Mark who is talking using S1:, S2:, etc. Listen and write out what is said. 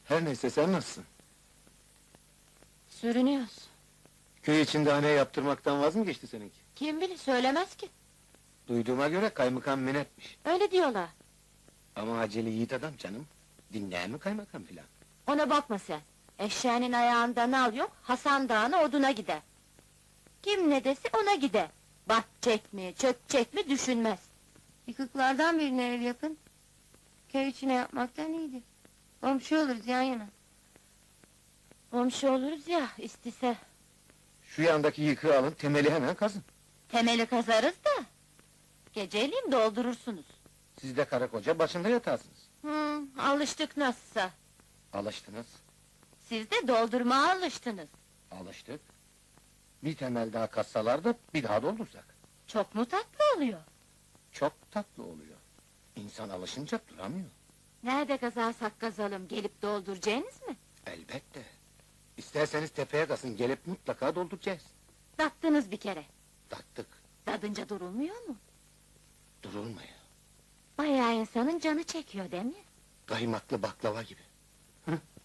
S1: Her neyse, sen nasılsın?
S2: Sürünüyoruz.
S1: Köy içinde hane yaptırmaktan vaz mı geçti seninki?
S2: Kim bilir, söylemez ki.
S1: Duyduğuma göre kaymakam men etmiş.
S2: Öyle diyorlar.
S1: Ama acele yiğit adam canım. Dinleyen mi kaymakam filan?
S2: Ona bakma sen. Eşeğinin ayağında nal yok, Hasan Dağı'na oduna gider. Kim ne dese ona gider. Batacak mı, çökecek mi düşünmez. Yıkıklardan birine ev yapın. Köy içine yapmaktan iyidir. Komşu oluruz yan yana. Komşu oluruz ya, istese.
S1: Şu yandaki yıkığı alın, temeli hemen kazın.
S2: Temeli kazarız da. Geceliğin doldurursunuz.
S1: Siz de karı koca başında yatarsınız.
S2: Alıştık nasılsa.
S1: Alıştınız,
S2: Siz de doldurmaya alıştınız.
S1: alıştık. Bir temel daha kazsalar da bir daha doldursak.
S2: Çok mu tatlı oluyor?
S1: Çok tatlı oluyor. İnsan alışınca duramıyor.
S2: Nerede kazarsak kazalım, gelip dolduracaksınız mı?
S1: Elbette. İsterseniz tepeye kazın, gelip mutlaka dolduracağız.
S2: Tattınız bir kere.
S1: Taktık,
S2: Tadınca durulmuyor mu?
S1: durulmuyor.
S2: Bayağı insanın canı çekiyor değil mi?
S1: Kaymaklı baklava gibi.